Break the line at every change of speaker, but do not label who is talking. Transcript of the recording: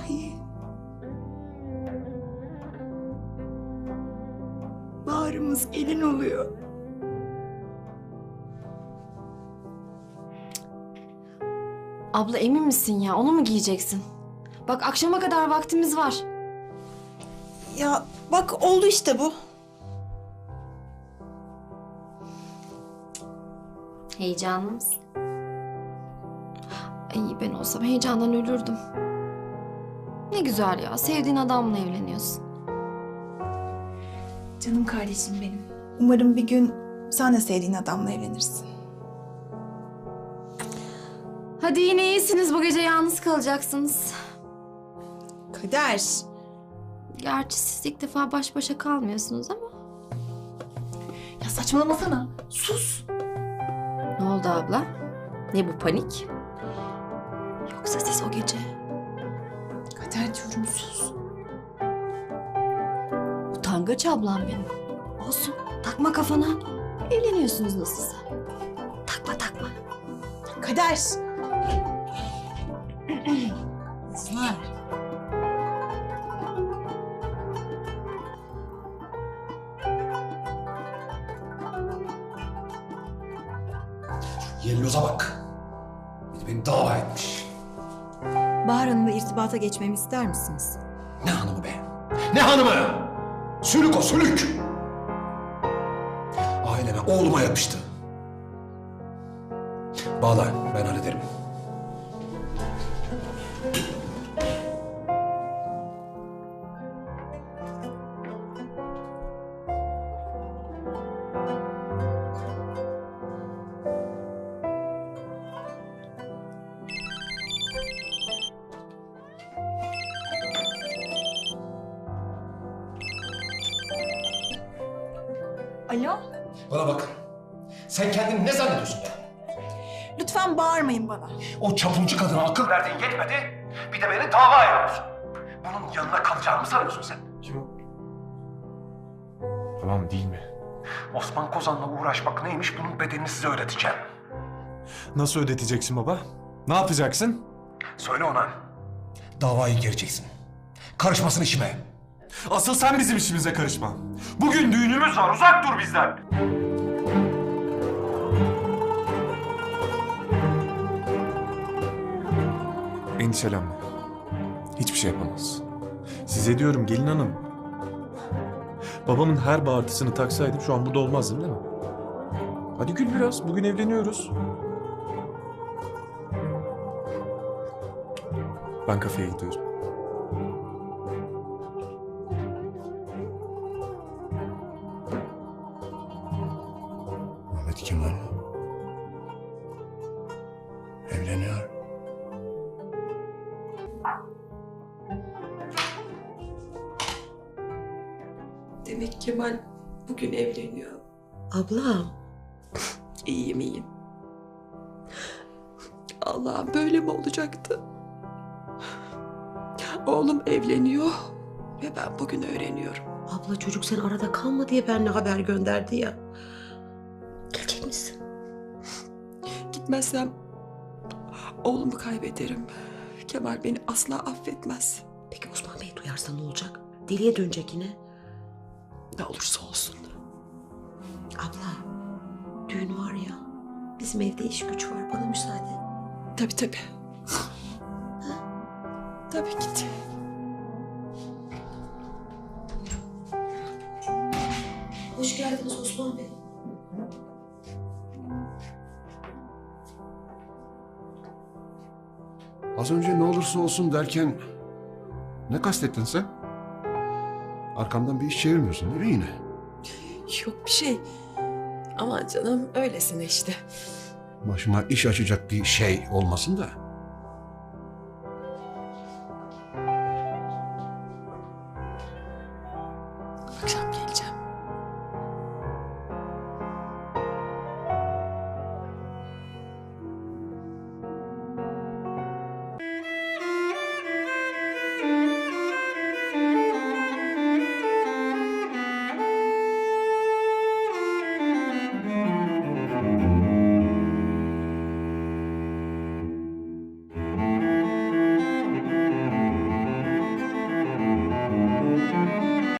Ay. Bahar'ımız gelin oluyor.
Abla emin misin ya? Onu mu giyeceksin? Bak akşama kadar vaktimiz var.
Ya bak oldu işte bu.
Heyecanlı mısın? Ay ben olsam heyecandan ölürdüm. Ne güzel ya. Sevdiğin adamla evleniyorsun.
Canım kardeşim benim. Umarım bir gün sen de sevdiğin adamla evlenirsin.
Hadi yine iyisiniz. Bu gece yalnız kalacaksınız.
Kader.
Gerçi siz ilk defa baş başa kalmıyorsunuz ama.
Ya saçmalamasana. Sus.
Ne oldu abla? Ne bu panik?
Yoksa siz o gece... Kader diyorum sus.
Utangaç ablam benim. Olsun. Takma kafana. Evleniyorsunuz nasılsa. Takma takma.
Kader. Kızlar.
Yelloza bak. Bir de beni dava etmiş.
Bahar Hanım'la irtibata geçmemi ister misiniz?
Ne hanımı be? Ne hanımı? Sülük o sülük. Aileme, oğluma yapıştı. Bağla, ben hallederim.
Alo?
Bana bak. Sen kendini ne zannediyorsun ya?
Lütfen bağırmayın bana.
O çapulcu kadına akıl verdiğin yetmedi. Bir de beni dava ediyorsun. Bunun yanına kalacağını mı sanıyorsun sen?
Kim o? Tamam değil mi?
Osman Kozan'la uğraşmak neymiş bunun bedelini size öğreteceğim.
Nasıl ödeteceksin baba? Ne yapacaksın?
Söyle ona. Davayı gereceksin. Karışmasın işime.
Asıl sen bizim işimize karışma. Bugün düğünümüz var, uzak dur bizden. Endişelenme. Hiçbir şey yapamaz. Size diyorum gelin hanım. Babamın her bağırtısını taksaydım şu an burada olmazdım değil mi? Hadi gül biraz. Bugün evleniyoruz. Ben kafeye gidiyorum.
Ahmet Kemal evleniyor.
Demek Kemal bugün evleniyor.
Ablam.
İyiyim iyiyim. Allah'ım böyle mi olacaktı? Oğlum evleniyor ve ben bugün öğreniyorum.
Abla çocuk sen arada kalma diye benimle haber gönderdi ya. Gelecek misin?
Gitmezsem oğlumu kaybederim. Kemal beni asla affetmez.
Peki Osman Bey duyarsa ne olacak? Deliye dönecek yine.
Ne olursa olsun.
Abla düğün var ya. Bizim evde iş güç var. Bana müsaade.
Tabii tabii. Tabii git.
Hoş geldiniz Osman Bey.
Az önce ne olursa olsun derken ne kastettin sen? Arkamdan bir iş çevirmiyorsun değil mi yine?
Yok bir şey. Aman canım öylesine işte.
Başıma iş açacak bir şey olmasın da.
Akşam geleceğim.